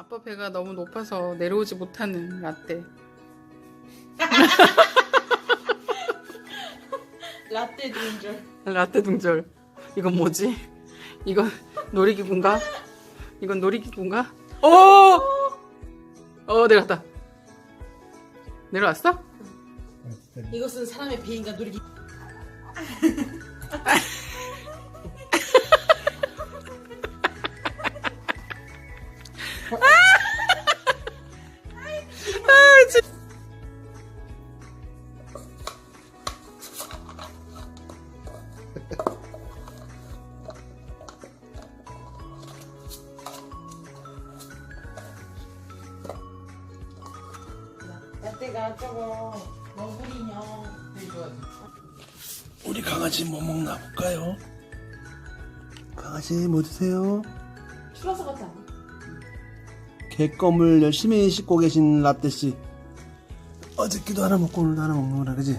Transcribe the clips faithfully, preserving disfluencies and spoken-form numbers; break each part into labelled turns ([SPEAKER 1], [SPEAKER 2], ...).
[SPEAKER 1] 아빠 배가 너무 높아서 내려오지 못하는 라떼.
[SPEAKER 2] 라떼 둥절.
[SPEAKER 1] 라떼 둥절. 이건 뭐지? 이건 놀이기구인가? 이건 놀이기구인가? 오! 어, 내려갔다. 내려왔어?
[SPEAKER 2] 이것은 사람의 배인가 놀이기.
[SPEAKER 1] 아, 진
[SPEAKER 2] 라떼가 저거 너구리 인형.
[SPEAKER 3] 우리 강아지 뭐 먹나 볼까요? 강아지 뭐 드세요?
[SPEAKER 2] 추러스 같지 않아?
[SPEAKER 3] 개껌을 열심히 씹고 계신 라떼씨. 어저께도 하나 먹고 오늘도 하나 먹는구나, 그지?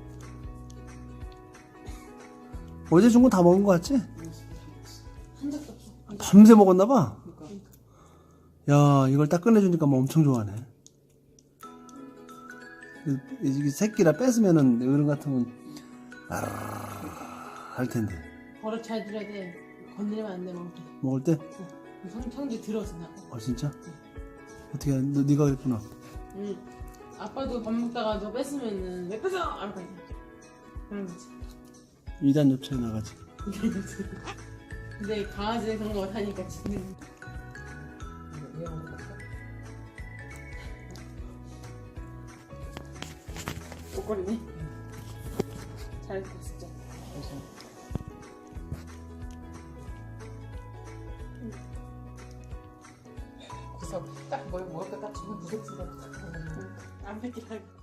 [SPEAKER 3] 어제 준 거 다 먹은 거 같지?
[SPEAKER 2] 한 적도 없어.
[SPEAKER 3] 밤새 먹었나봐. 야, 이걸 딱 꺼내주니까 뭐 엄청 좋아하네. 이게 새끼라 뺏으면은 어른 같으면 아르르 할 텐데.
[SPEAKER 2] 버릇 잘 들여야 돼. 건드리면 안 돼, 먹을 때.
[SPEAKER 3] 먹을 때?
[SPEAKER 2] 성, 성질 들어서 나고.
[SPEAKER 3] 어, 진짜? 어떻게, 너, 네가 그랬구나.
[SPEAKER 2] 응. 아빠도 밥 먹다가 너 뺐으면은 왜 뺏어? 알 거 아니야. 그런 거지.
[SPEAKER 3] 이단 옆차에 나가지.
[SPEAKER 2] 근데 강아지는 그런 거 못하니까 지는. 목걸이네. 잘했다 진짜.
[SPEAKER 1] 구석 딱 뭘 먹을 거딱 주면 무섭지가.
[SPEAKER 2] 안 뺏기라고.